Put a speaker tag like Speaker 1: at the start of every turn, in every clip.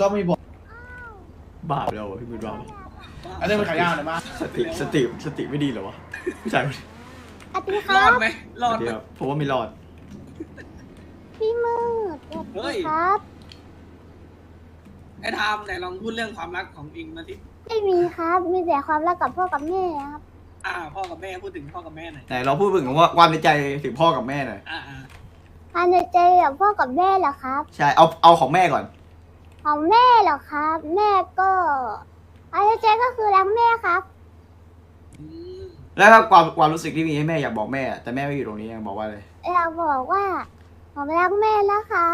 Speaker 1: ก็ไม่บอก
Speaker 2: บาปแล้วพี่บุญรอด
Speaker 1: อันนี้มันขายยาวหน่อยมา
Speaker 2: สติไม่ดีเหรอวะผู้ชาย
Speaker 3: สวัสดีค
Speaker 4: ร
Speaker 3: รั
Speaker 4: อด
Speaker 3: บ
Speaker 4: ไหมรอดไหม
Speaker 2: เดี๋ยวผมว่าไม่รอด
Speaker 3: พี่มืดสวัส
Speaker 4: เฮ้
Speaker 3: ดี
Speaker 4: ย
Speaker 3: ครับ
Speaker 4: ไอ้ทามไหนลองพูดเรื่องความรักของเองมาสิ
Speaker 3: ไม่มีครับ มีแต่ความรักกับพ่อกับแม่ครับ
Speaker 4: พ่อกับแม่พูดถึงพ่อกับแม่หน่อย
Speaker 2: ไหนเราพูดถึงว่าความในใจถึงพ่อกับแม่หน่อย
Speaker 3: ภายในใจกับพ่อกับแม่เหรอครับ
Speaker 2: ใช่เอาของแม่ก่อน
Speaker 3: ของแม่เหรอครับ แม่ก็ภายในใจก็คือรักแม่ครับ
Speaker 2: แล้วก็ความรู้สึกที่มีให้แม่อยากบอกแม่แต่แม่ไม่อยู่ตรงนี้ยังบอกว่าอะไร
Speaker 3: อยากบอกว่าผมรักแม่นะครับ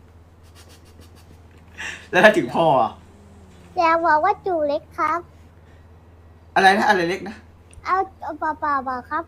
Speaker 2: แล้วถ้าถึงพ่ออะ
Speaker 3: อยากบอกว่าจูเล็กครับ
Speaker 2: อะไรนะอะไรเล็กนะ
Speaker 3: เอาเปล่าๆบอกครับ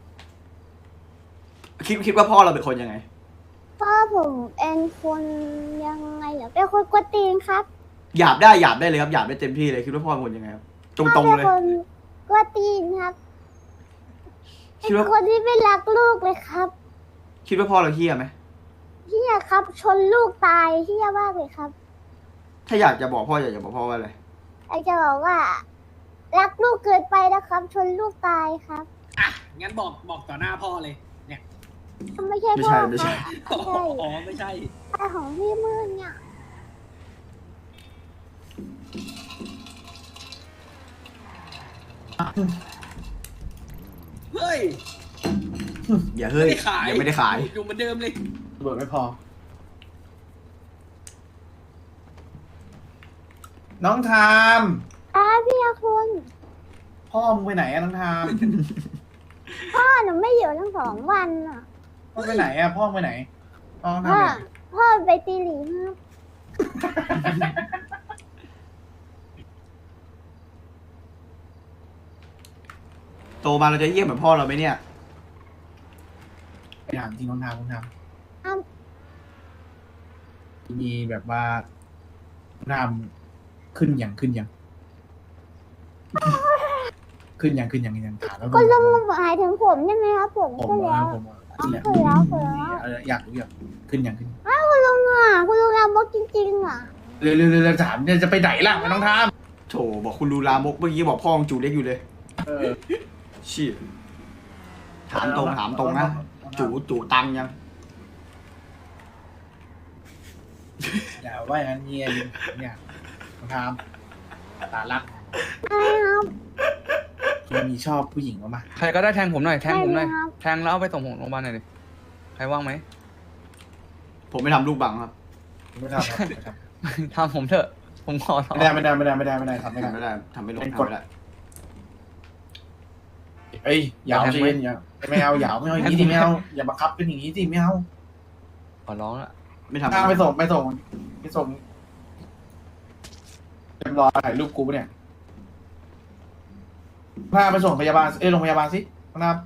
Speaker 2: คิดว่าพ่อเราเป็นคนยังไง
Speaker 3: พ่อผมเป็นคนยังไงเหรอเป็นคนกวนตีนครับ
Speaker 2: หยาบได้เลยครับหยาบได้เต็มที่เลยคิดว่าพ่อเป็นคนยังไงครับตรงๆ
Speaker 3: พ่อ
Speaker 2: เล
Speaker 3: เป็
Speaker 2: ย
Speaker 3: นคนกวนตีนครับเป็
Speaker 2: คิด
Speaker 3: น
Speaker 2: ว่า
Speaker 3: คนที่ไม่รักลูกเลยครับ
Speaker 2: คิดว่าพ่อเราเฮี้ยไหม
Speaker 3: เฮียครับ ชนลูกตายเฮียมากเลยครับ
Speaker 2: ถ้าอยากจะบอกพ่ออยากจะบอกพ่อว่าอะไร
Speaker 3: ไอจะบอกว่า รักลูกเกินไปนะครับ ชนลูกตายครับ
Speaker 4: งั้นบอกต่อหน้าพ่อเลย เนี่ย
Speaker 3: ไม่ใช่
Speaker 2: ไม่
Speaker 3: พ่อ
Speaker 2: ใช่ไม่ใช่
Speaker 3: ครับไม่ใช่
Speaker 4: อ๋อไม่ใช่
Speaker 3: แต่ของพี่มืดเนี่ย
Speaker 4: เฮ้ย
Speaker 2: อย่าเฮ้ย
Speaker 4: ไม่ได้ขาย
Speaker 2: ยังไม่ได้ขาย
Speaker 4: อยู่เหมือนเดิมเลย
Speaker 1: เบิดไม่พอ น้องทาม
Speaker 3: พี่อาคุณ
Speaker 1: พ่อมึงไปไหนอะน้องทาม
Speaker 3: พ่อหนูไม่อยู่ทั้ง2 วันอ่ะ
Speaker 1: พ่อไปไหนอะพ่อไปไหนน้องทาม
Speaker 3: พ่อ
Speaker 1: เนี่ย
Speaker 3: พ่อไปตีหลีครับ
Speaker 2: โตมาเราจะเยี่ยมเหมือนพ่อเราไหมเนี่ย
Speaker 1: ไปถามจริงน้องทามน้องทาม
Speaker 3: อ้าว
Speaker 1: มีแบบว่าน้องทามขึ้นอย่างขึ้นอย่างถามแล้ว
Speaker 3: ก็ลุงหมายถึงผมใช่ไหมครับผม
Speaker 1: ผม
Speaker 3: ก็แล้ว
Speaker 1: ผม
Speaker 3: ขึ้
Speaker 1: ขึ้น
Speaker 3: น
Speaker 1: แล้ว
Speaker 3: แล้ว
Speaker 1: อยากรู้อยากขึ้นอย่างขึ้น
Speaker 3: คุณลุงอ่ะคุณลุงเอาบอกจริงๆอ่ะ
Speaker 1: เร็วถามเนี่ยจะไปไหนล่ะน้องทาม
Speaker 2: โถบอกคุณดูลามกเมื่อกี้บอกพ่อของจูเล็กอยู่เลย
Speaker 1: เออ
Speaker 2: ชี้ถามตรงนะจูตังยัง
Speaker 1: อย่าว่าอย่างนั้นเงียเนี่ยน้องทามตาลัก
Speaker 3: ใช่ครับ
Speaker 1: มีชอบผู้หญิงบ้างไหม
Speaker 5: ใครก็ได้แทงผมหน่อยแทงผมหน่อย
Speaker 3: ได้ครับ
Speaker 5: แทงแล้วเอาไปส่งผมโรงพยาบาลหน่อยดิใครว่างไหม
Speaker 2: ผมไม่ทำลูกบังครับ
Speaker 1: ไม่ทำครับไม่ทำ
Speaker 5: ทำผมเถอะผมขอร้อง
Speaker 1: ไม่ได้ทำไม่ได้
Speaker 2: ทำไม่ได้ทำไม่ลง
Speaker 1: เป็น
Speaker 2: ทำ
Speaker 1: กฎ
Speaker 2: ไม่ได้
Speaker 1: เอ้ยยาวสิอย่าไม่เอายาวไม่เอาอย่างนี้ดิไม่เอาอย่าบังคับเป็นอย่างนี้ดิไม่เอา
Speaker 5: ขอร้องละ
Speaker 2: ไม่ทำ
Speaker 1: ถ้าไปส่งเรียบร้อยถ่ายรูปกูปะเนี่ยพาไปส่งพยาบาลโรงพยาบาลสินะครับ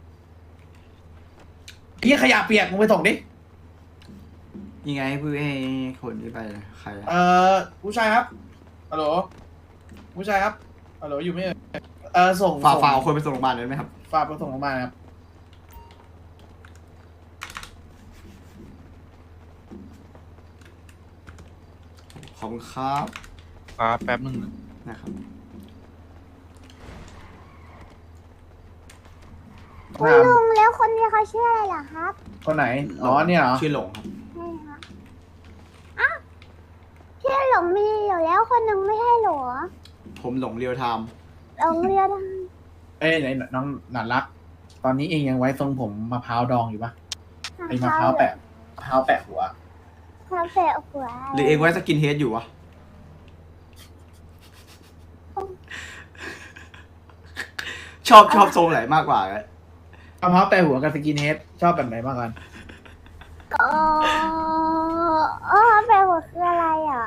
Speaker 1: พี่ขยะเปียกมึงไปส่งดิ
Speaker 2: ยังไงเพื่อให้คนที่ไปใครอะ
Speaker 1: ผู้ชายครับฮัลโหลผู้ชายครับฮัลโหลอยู่ไหมส่ง
Speaker 2: ฝากเอาคนไปส่งโรงพยาบาลเลยไหมครับ
Speaker 1: ฝากไปส่งโรงพยาบาลครับ
Speaker 2: ขอบคุณครับ
Speaker 5: แป๊บนึง
Speaker 2: นะครับ
Speaker 3: คุณลุงแล้วคนนี้เขาชื่ออะไรเหรอครับ
Speaker 1: คนไหนอ๋อเนี่ยเหรอ
Speaker 2: ชื่อหลงครับ
Speaker 3: ใช่ครับอ้าวพี่หลงมีอยู่แล้วคนหนึ่งไม่ใช่เหรอ
Speaker 2: ผมหลงเรียวไทม์
Speaker 3: หลงเรียน
Speaker 1: เอ้ยไหนน้องหนานรัก ตอนนี้เองยังไว้ทรงผมมะพร้าวดองอยู่ปะไอ้มะพร้าวแปะหัว
Speaker 3: คาเฟ่หัว
Speaker 2: หรือเองไว้สกินเฮดอยู่วะชอบทรงไหนมากกว่ากัน
Speaker 1: มะพร้าวแปะหัวกับสกินเฮดชอบแบบไหนมากกว่ากัน
Speaker 3: คาเฟ่หัวคืออะไรอ่ะ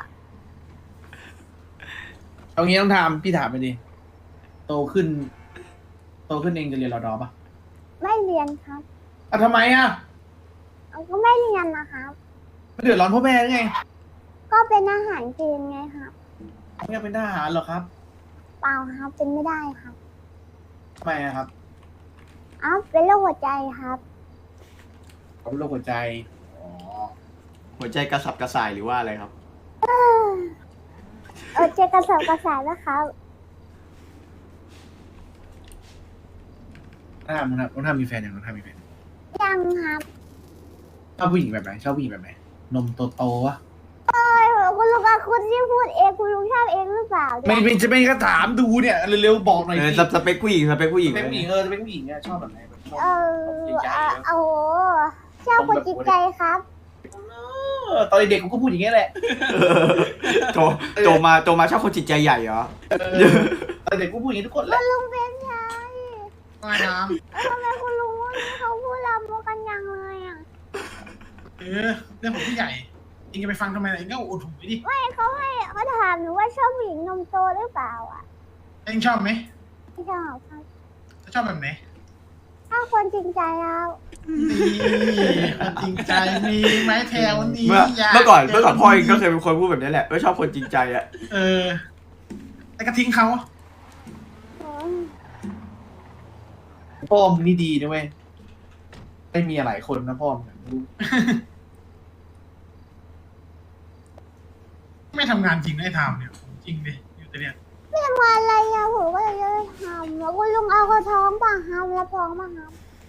Speaker 1: เอางี้ต้องถามพี่ถามไปดิโตขึ้นเองจะเรียนรอดอปะ
Speaker 3: ไม่เรียนครับ
Speaker 1: ทำไมอ่ะ
Speaker 3: เอาก็ไม่เรียนนะครับ
Speaker 1: ไม่เดือดร้อนพ่อแม่หรือไง
Speaker 3: ก็เป็นอาหารเกณฑ์ไงครับ
Speaker 1: ไม่อยากเป็นทหารหรอครับ
Speaker 3: เปล่าครับ เป็นไม่ได้ครับ
Speaker 1: ทำไมอะครับ
Speaker 3: อ้าวเป็นโรคหัวใจครับ
Speaker 1: เขาเป็นโรคหัวใจอ๋อ
Speaker 2: หัวใจกระสับกระส่ายหรือว่าอะไรครับ
Speaker 3: เจอกระสอบกระสายนะครับ
Speaker 1: ถ้ามึงทำมีแฟนอย่างน้องทำมีแฟน
Speaker 3: ยังครับ
Speaker 1: ชอบผู้หญิงแบบไหนชอบผู้หญิงแบบไหนนมโตๆวะ
Speaker 3: คุณลุงกับคุณที่พูดเองคุณลุงชอบเองหรือเปล่า
Speaker 1: ไม่จะไม่ก็ถามดูเนี่ยเร็วๆบอกหน่อย
Speaker 2: เออ
Speaker 1: สิ
Speaker 2: สเปคผู้หญิงสเปคผู้หญิง
Speaker 1: เป็นผู้หญิงสเปคผู้หญิงเนี่ยชอบแบบไหนแบบชอบ จริงใจ
Speaker 3: โอ้โหชอบคนจริงใจครับ
Speaker 1: ตอนเด็กกูก็พูดอย่างเงี้ยแหละ
Speaker 2: โตมาชอบคนจิตใจใหญ่เหรอ
Speaker 1: ตอนเด็กกูพูดอย่างงี้ทุกคนแหละ
Speaker 3: ลุงเป็นไง
Speaker 1: ไม่ท
Speaker 3: ทำไมคุณลุงวันนี้เขาพูดลามกกันยังเลยอ่ะ
Speaker 6: เรื่องของผู้ใหญ่เองจะไปฟังทำไมล่ะเองก็อุดหูไปดิ
Speaker 3: เขาถามหนูว่าชอบผู้หญิงนมโตหรือเปล่าอ่ะ
Speaker 6: เองชอบไหม
Speaker 3: ไม่ชอบครับ
Speaker 6: ชอบแบบไหน
Speaker 3: ชอบคนจริงใจแล้ว
Speaker 6: นี่คนจริงใจมีไม้แถวนี้
Speaker 2: เมื่อก่อนพ่อเองก็เคยเป็นคนพูดแบบนี้แหละว่าชอบคนจริงใจอะ
Speaker 6: แต่ก็ทิ้งเขา
Speaker 1: ำพ่อมึงนี่ดีนะเว้ยไม่มีหลายคนนะพ่อมึงรู้
Speaker 6: ไม่ทำงานจริงได้ทำเนี่ยจริงดิอยู่แต่เนี่ย
Speaker 3: ไม่ทำงานอะไรอ่ะผมก็เลยจะทำแล้วคุณลุงเอากระท้องป่ะครับรับท้องป่ะครับ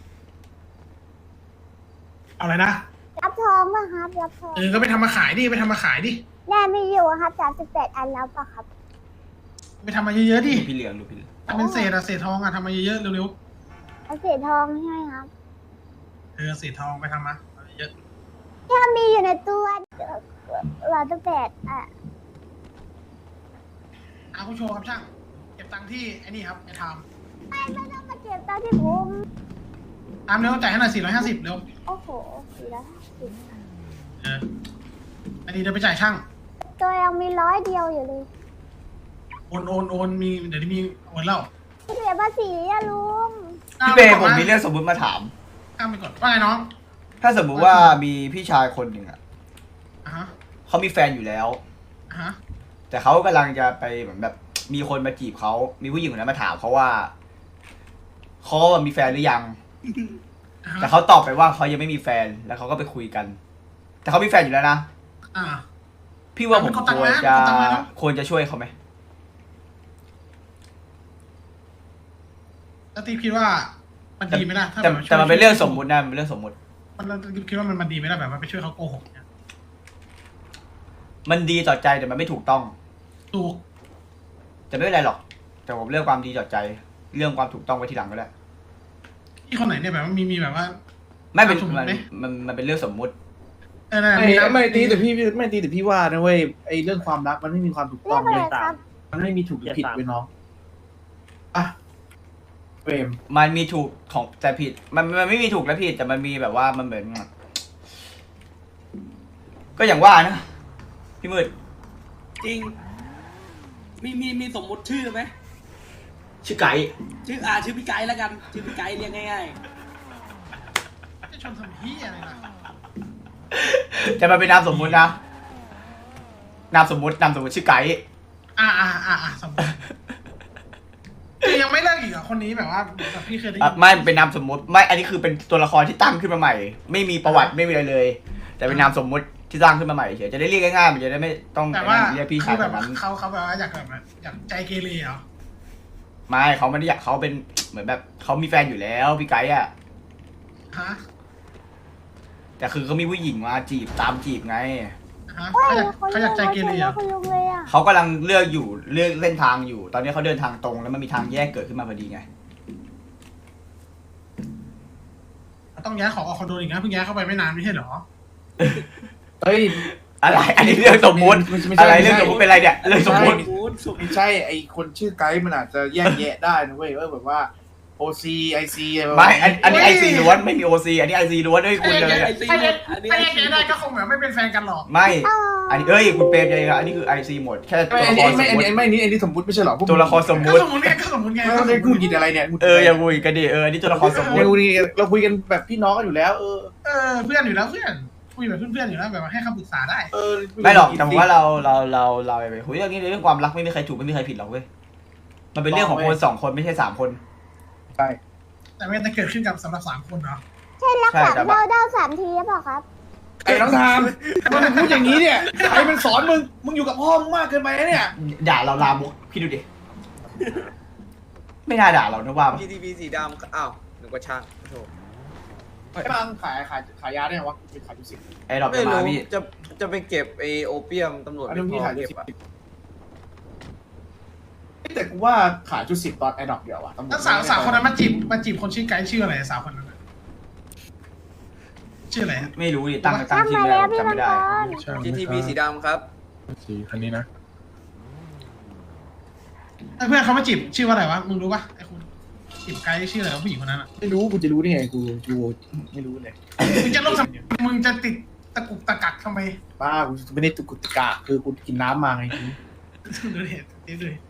Speaker 6: เอาอะไรนะ
Speaker 3: รับท้องป่ะครับรับท้อง
Speaker 6: ก็ไปทำมาขายดิไปทำมาขายดิ
Speaker 3: แน่มีอยู่ครับ38 อันแล้วป่ะครับ
Speaker 6: ไปทำมาเยอะๆดิ
Speaker 2: ดูพี่เหลืองดูพี่เหลือง
Speaker 6: ทำเป็นเศษอะเศษทองอะทำมาเยอะๆเร็ว
Speaker 3: เอาเศษทองใช่ไหมครับ
Speaker 6: ๆเศษทองไปทำมาเยอะ
Speaker 3: ถ้ามีอยู่ในตัว108อ่ะ
Speaker 6: เอาผู้โชว์ครับช่างเก็บตังค์ที่ไอ้นี่ครับไอ้ท
Speaker 3: ไม่ต้องมาเก็บตอนที่ผม
Speaker 6: ำเร็วจ่ายให้หน่อย450เร็ว
Speaker 3: โอ้โห450
Speaker 6: อันนี้เดี๋ยวไปจ่ายช่าง
Speaker 3: ตัวยังมี100 เดียวอยู่เลย
Speaker 6: โอนมีเดี๋ยวนี้มีโอนแล้ว
Speaker 3: เสียภาษีอะลุง
Speaker 2: พี่เบย์ผมมีเรื่องสมมุติมาถาม
Speaker 6: ข้ามไปก่อนว่าไงน้อง
Speaker 2: ถ้าสมมุติว่ามีพี่ชายคนหนึ่งอะ
Speaker 6: อ่ะฮะ
Speaker 2: เขามีแฟนอยู่แล้ว
Speaker 6: อ่ะฮะ
Speaker 2: แต่เขากำลังจะไปเหมือนแบบมีคนมาจีบเขา มีผู้หญิงคนนั้นมาถามเขาว่าเขามีแฟนหรือยัง
Speaker 6: อ่ะฮะ
Speaker 2: แต่เขาตอบไปว่าเขายังไม่มีแฟน แล้วเขาก็ไปคุยกัน แต่เขามีแฟนอยู่แล้วนะ
Speaker 6: อ่า
Speaker 2: พี่ว่าผม
Speaker 6: เป็นคนต่าง
Speaker 2: ควร
Speaker 6: นะ
Speaker 2: จะ
Speaker 6: เป็นคนต่างนะ
Speaker 2: ควรจะช่วยเขาไหม
Speaker 6: แล้วตีคิดว่ามันดีไหมล่ะถ้า
Speaker 2: แต่
Speaker 6: บบ
Speaker 2: แต่มันเป็นเรื่องสมมุตินะมันเป็นเรื่องสมมุติ
Speaker 6: มันคิดว่ามันดีไหมล่ะแบบว่าไปช่วยเขาโกหกเนี่ย
Speaker 2: มันดีต่อใจแต่มันไม่ถูกต้อง
Speaker 6: ถูก
Speaker 2: แต่ไม่เป็นไรหรอก แต่ผมเลือกความดีต่อใจ เรื่องความถูกต้องไว้ทีหลังก็ได้
Speaker 6: ที่คนไหนเนี่ยแบบว่ามีแบบว่า
Speaker 2: ไม่เป็น
Speaker 6: สมมุติ
Speaker 2: มัน
Speaker 6: ไหม
Speaker 2: มันเป็นเรื่องสมมุติ
Speaker 6: นั่น
Speaker 1: ไม่ตีแต่พี่ว่านะเว้ยไอ้เรื่องความรักมันไม่มีความถูก
Speaker 3: เรี
Speaker 1: ต้
Speaker 3: ย
Speaker 1: อก ง
Speaker 3: อะไร
Speaker 1: เลย
Speaker 3: ครับ
Speaker 1: มันไม่มีถูกหรือผิดเว้ยน้องอ่ะเฟรม
Speaker 2: มันมีถูกของแต่ผิด มันไม่มีถูกและผิดแต่มันมีแบบว่ามันเหมือน ก็อย่างว่านะพี่มืด
Speaker 4: จริง มีสมมุติชื่อไหม
Speaker 2: ชื่อไก่
Speaker 4: ชื่อพี่ไกด์แล้วกัน ชื่อพี่ไกด์เรียกง่าย
Speaker 6: จะชนทำเฮียอะไรล่ะ
Speaker 2: แต่มันเป็นนามสมมุตินะนามสมมุติชื่อไก่
Speaker 6: สมมติคือยังไม่เลิกอีกเหรอคนนี้แบบว่าแบบพี่เคยได้ยิน
Speaker 2: ไม่เป็นนามสมมุติไม่อันนี้คือเป็นตัวละครที่ตั้งขึ้นมาใหม่ ไม่มีประวัติไม่มีอะไรเลย แต่เป็นนามสมมุติที่ตั้งขึ้นมาใหม่เฉยจะได้เรียกง่ายๆมันจะได้ไม่ต้อง
Speaker 6: แต่ว่า
Speaker 2: เรียกพี่
Speaker 6: คื
Speaker 2: ชาย
Speaker 6: อ
Speaker 2: แบ
Speaker 6: แบบ บ
Speaker 2: นั้น
Speaker 6: เขาแบบว่าอยากแบบอยากใจเกเรเหรอ
Speaker 2: ไม่เขาไม่ได้อยากเขาเป็นเหมือนแบบเขามีแฟนอยู่แล้วพี่ไก่อะ
Speaker 6: ฮะ
Speaker 2: แต่คือเขามีผู้หญิงมาจีบตามจีบไง
Speaker 6: ฮะ
Speaker 3: เฮ้ย
Speaker 6: เขาอยากใจเกเรเหรอ
Speaker 3: คุณลุงเลยอ่ะ
Speaker 2: เขากำลังเลือกเส้นทางอยู่ ตอนนี้เขาเดินทางตรงแล้วมันมีทางแยกเกิดขึ้นมาพอดีไง
Speaker 6: ต้องย้ายของออกคอนโดอีกนะเพิ่งย้ายเข้าไปไม่นานไม่ใช่เหรอ
Speaker 1: เฮ้ย
Speaker 2: อะไร อันนี้เรื่องสมมุติ
Speaker 1: ไม่ใช่
Speaker 2: อะไรเรื่องสมมุติเป็นอะไรเนี่ยเรื่องสมมุติ
Speaker 4: ๆพูดสุด
Speaker 1: ไม่ใช่ไอคนชื่อไกด์มันอาจจะแยกแยะได้นะเว้ยแบบว่า OC IC
Speaker 2: ไม่อันนี้ไอซีล้วนไม่มีโอซีอันนี้ไอซีล้วนด้วยคุณเลย
Speaker 4: ไอ
Speaker 2: เนี่ย
Speaker 4: ซี
Speaker 6: ถ้า
Speaker 4: หม
Speaker 6: แย
Speaker 4: ด
Speaker 6: ก
Speaker 4: อันนี้
Speaker 6: ถ้า
Speaker 4: ไอ
Speaker 6: แยก
Speaker 4: ซี
Speaker 6: แยะได้ก็คงแบบไม่เป็นแฟนกันหรอก
Speaker 2: ไม่ อันนี้คุณเปรมยังไงครับอันนี้คือไอซีหมดแค่ตัว
Speaker 1: อัน
Speaker 2: ละค
Speaker 1: นี้
Speaker 2: รสมมติ
Speaker 1: อันนี้สมมติไม่ใช่หรอ
Speaker 2: ตัวละครสม
Speaker 6: ก็
Speaker 2: มุติ
Speaker 6: สมมติไงก็สมมติไง
Speaker 1: ไม่ต้องได้พูดกินอะไรเนี่ย
Speaker 2: อย่าคุยกันดิอันนี้ตัวละครสมมุติ
Speaker 1: เราคุยกันแบบพี่น้องกันอยู่แล้ว
Speaker 6: เพื่อนอยู่แล้วเพื่อนคุยแบบเพื่อนๆอยู่แล้วแบบว่าให้คำปรึกษาได้
Speaker 2: ไม่หรอกแต่ผมว่าเราไปคุยเรื่องนี้เรื่องความรักไม่มีใครถูกไม่มีใครผิดหรอกเว้ยมันเป็นเรื่องของคน2 คนไม่ใช่3 คน
Speaker 1: ใช่
Speaker 6: แต่ไม่ได้เกิดขึ้นกับสำหรับ3 คนเนาะ
Speaker 3: ใช่รัก
Speaker 2: ใช่
Speaker 3: สาม
Speaker 2: แต่
Speaker 3: เดา3 ทีหรือเปล่าครับ
Speaker 1: ไอ้น้องทามมันพูดอย่างนี้เนี่ยใครเป็นสอนมึงอยู่กับพ่อมึงมากเกินไปนะเนี่ย
Speaker 2: ด่าเราลามกพี่ดูดิ ไม่น่าด่าเรานะว่าปะ
Speaker 7: GTP สีดำอ้าวนึกว่าช่างโถ
Speaker 1: ไอ้บางขายยาได้ไงวะขายจุดสิบ
Speaker 2: ไอ้ดอก
Speaker 7: ไม่
Speaker 2: จะมา
Speaker 7: รู้
Speaker 2: พี่
Speaker 7: จะไปเก็บไอโอเปียมตำรวจ
Speaker 1: อัน
Speaker 7: ไม่
Speaker 1: นี้
Speaker 7: พ
Speaker 1: พี่
Speaker 7: อ
Speaker 1: ขายจุ
Speaker 7: เก็
Speaker 1: ด
Speaker 7: บ
Speaker 1: สิบ
Speaker 7: อะ
Speaker 1: แต่กูว่าขายจุดสิบตอนไอ้ดอกเดียวอะตำรวจ
Speaker 6: แล้วสาวคนนั้นมาจีบคนชื่อไกด์ชื่ออะไรสาวคนนั้นชื่ออะไร
Speaker 2: ไม่รู้ดิตั้ง
Speaker 3: ตั้ง
Speaker 2: ชื่อ
Speaker 3: มา
Speaker 2: แล้
Speaker 3: แล้ว วพี่
Speaker 2: จำ
Speaker 3: มั
Speaker 2: ไม่
Speaker 3: ง
Speaker 2: ได้
Speaker 3: กร
Speaker 7: GTP สีดำครับ
Speaker 8: สีคันนี้นะ
Speaker 6: ไอ้เพื่อนเขามาจีบชื่อว่าอะไรวะมึงรู้ปะไอ้คุณจีบไกด์ชื่ออะไรวะผู้หญิงคนนั้นอ่ะ
Speaker 1: ไม่รู้กูจะรู้ได้ไงกูไม่รู้เลย
Speaker 6: มึงจะลบมึงจะติดตะกุกตะกักทำไม
Speaker 1: ป้ากูไม่ได้ตุกุตกะคือกูกินน้ำมาไง
Speaker 6: ดูดิดูดิ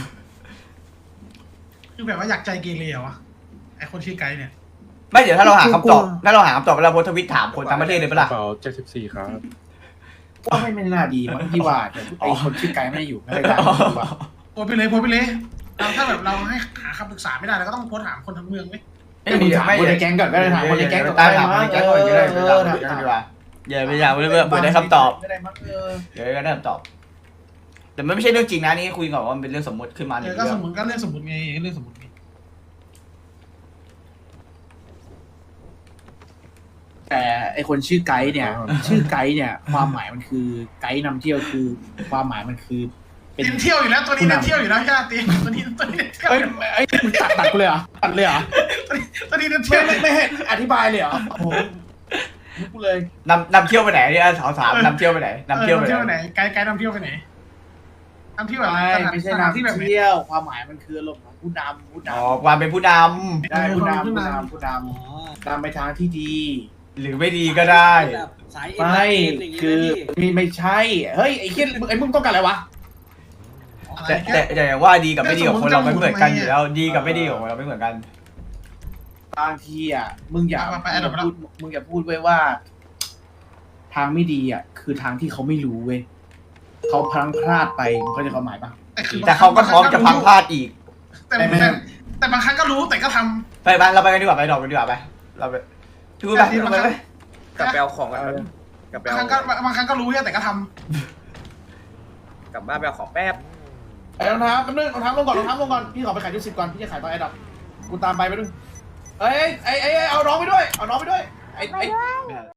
Speaker 6: คือแบบว่าอยากใจเกเรเหรอวะไอ้คนชื่อไกด์เนี่ย
Speaker 2: ไม่เดี๋ยวถ้าเราหาคำตอบถ้าเราหาคำตอบเวลาโพสต์ทวิตถามคนทั้งประเทศเลยปะ
Speaker 8: ก
Speaker 2: ล่ะ
Speaker 8: ระเป๋า74 ครับ
Speaker 1: ว่าไม่น่าดีมั้งที่ว่าแต่ไอ้คนชื่อไกด์ไม่ได้อยู่ไม่ได้การดีกว่า
Speaker 6: โพสไปเลยเราถ้าแบบเราให้หาคำปรึกษาไม่ได้เราก็ต้องโพสถามคนทั้งเมืองไหม
Speaker 1: ไม่มึงถามคนในแก๊งก่อนก็ได้ถามคนในแก๊งก่อน
Speaker 2: ถามคนในแก๊งก่อนก็ได้ดีกว่าอย่าไปอยากเพื่อได้คำตอบ
Speaker 1: ไม่ได้มั้ง
Speaker 2: เดี๋ยวก็ได้คำตอบ แต่มันไม่ใช่เรื่องจริงนะนี่คุยก่อนว่ามันเป็นเรื่องสมมติขึ้นมาหนึ่ง
Speaker 6: ก็
Speaker 2: เรื่
Speaker 6: ส
Speaker 2: อ
Speaker 6: ม
Speaker 2: ง
Speaker 6: มติก็เรื่องสมมติไงเรื่องสมมติไง
Speaker 1: แต่ไอคนชื่อไกด์เนี่ย ชื่อไกด์เนี่ย ความหมายมันคือไกด์นำเที่ยวคือความหมายมันคือ เป็น
Speaker 6: เน้นเที่ยวอยู่แล้วตัวนี้เน้นเที่ยวอยู่แล้วญาติตัวนี้เน้นเที่ยว
Speaker 1: เอ้ยไอ้มึงตัดกูเลยเหรอตัดเลยเหรอ
Speaker 6: ตัวนี้เน้นเที่ยว
Speaker 1: ไม่ให้อธิบายเลยเหรอโอ้โหกูเลย
Speaker 2: นำเที่ยวไปไหนเนี่ยถามนำเที่ยวไปไหนนำเที่ยวไปไหน
Speaker 6: ไกด์นำเที่ยวไปไหนนำเที่ยวแบบ
Speaker 1: ไม่ใช่
Speaker 6: สถานที่แบบ
Speaker 1: นำเที่ยวความหมายมันคืออารมณ์ของผู้นำ
Speaker 2: อ๋อความเป็นผู้น
Speaker 1: ได้ผู้นำนำไปทางที่ดี
Speaker 2: ำหรือไม่ดีก็ได้
Speaker 4: แบบสายเอ็น
Speaker 1: ไม่
Speaker 4: อย่างงี้
Speaker 1: คือ
Speaker 4: นะพี่
Speaker 1: ไม่ใช่เฮ้ยไอ้เหี้ยไอ้มึงต้องการอะไรวะ
Speaker 2: แต่อย่างว่าดีกับไม่ดีกับคนเราไม่เหมือนกันอยู่แล้วดีกับไม่ดีของเราไม่เหมือนกัน
Speaker 1: บางทีอ่ะมึงอย่าพูดไว้ว่า ทางไม่ดีอ่ะคือทางที่เขาไม่รู้เว้ยเขาพลังพลาดไปมึงเข้าใจความหมายปะ
Speaker 2: แต่เขาก็พร้อมจะพังพลาดอีก
Speaker 6: แต่บางครั้งก็รู้แต่ก็ท
Speaker 2: ไปบ้านเราไปกันดีกว่าไปดอกกันดีกว่าไปเราไปดูไปดูไป
Speaker 7: กลับไปเอาของกันกลับไป
Speaker 6: ำบาง
Speaker 7: เอา
Speaker 6: ครั้งก็รู้แต่ก็ท
Speaker 7: กลับบ้านไปเอาของแป๊บ
Speaker 1: ไอ้รองเท้าแป๊บนึงรองเท้าลงก่อนพี่ขอไปขายที่10ก่อนพี่จะขายตอนไอ้ดับกูตามไปแป๊บนึงเอาน้องไปด้วยไอ้
Speaker 3: ไปด้วย